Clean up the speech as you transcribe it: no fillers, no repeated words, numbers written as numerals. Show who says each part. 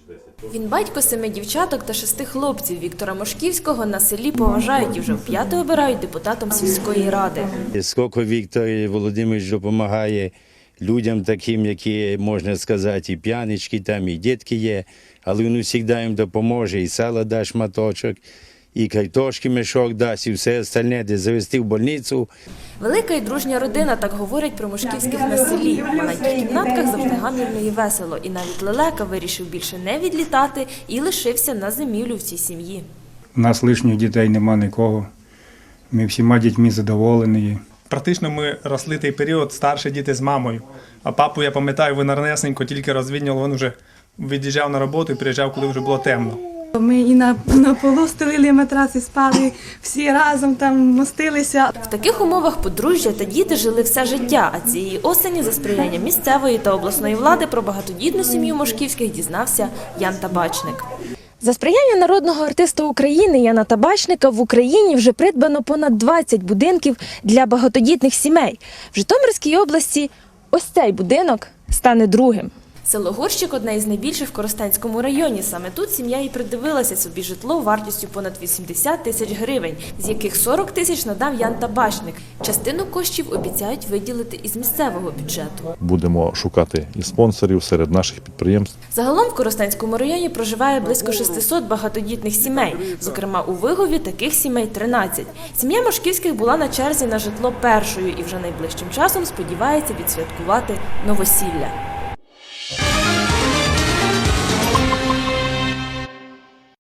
Speaker 1: Він батько 7 дівчаток та 6 хлопців. Віктора Мошківського на селі поважають і вже вп'яте обирають депутатом сільської ради.
Speaker 2: Скільки Віктор Володимирович допомагає людям таким, які, можна сказати, і п'янички там, і дітки є, але він завжди їм допоможе, і сало дасть шматочок, і картошки мішок дасть, і все остальне, де завести в больницю.
Speaker 1: Велика і дружня родина, так говорять про Мошківських на селі. В маленьких кімнатках завжди гамірно і весело. І навіть Лелека вирішив більше не відлітати і лишився на зимівлю в цій сім'ї.
Speaker 3: У нас лишніх дітей нема нікого. Ми всіма дітьми задоволені.
Speaker 4: Практично ми росли той період, старші діти з мамою. А папу, я пам'ятаю, він ранесенько тільки розвідняв, він вже від'їжджав на роботу і приїжджав, коли вже було темно.
Speaker 5: Ми і на полу стелили матраси, спали, всі разом там мостилися.
Speaker 1: В таких умовах подружжя та діти жили все життя, а цієї осені за сприяння місцевої та обласної влади про багатодітну сім'ю Мошківських дізнався Ян Табачник. За сприяння народного артиста України Яна Табачника в Україні вже придбано понад 20 будинків для багатодітних сімей. В Житомирській області ось цей будинок стане другим. Село Горщик – одне із найбільших в Коростенському районі. Саме тут сім'я і придивилася собі житло вартістю понад 80 тисяч гривень, з яких 40 тисяч надав Ян Табачник. Частину коштів обіцяють виділити із місцевого бюджету.
Speaker 6: Будемо шукати і спонсорів серед наших підприємств.
Speaker 1: Загалом в Коростенському районі проживає близько 600 багатодітних сімей. Зокрема, у Вигові таких сімей 13. Сім'я Мошківських була на черзі на житло першою і вже найближчим часом сподівається відсвяткувати новосілля.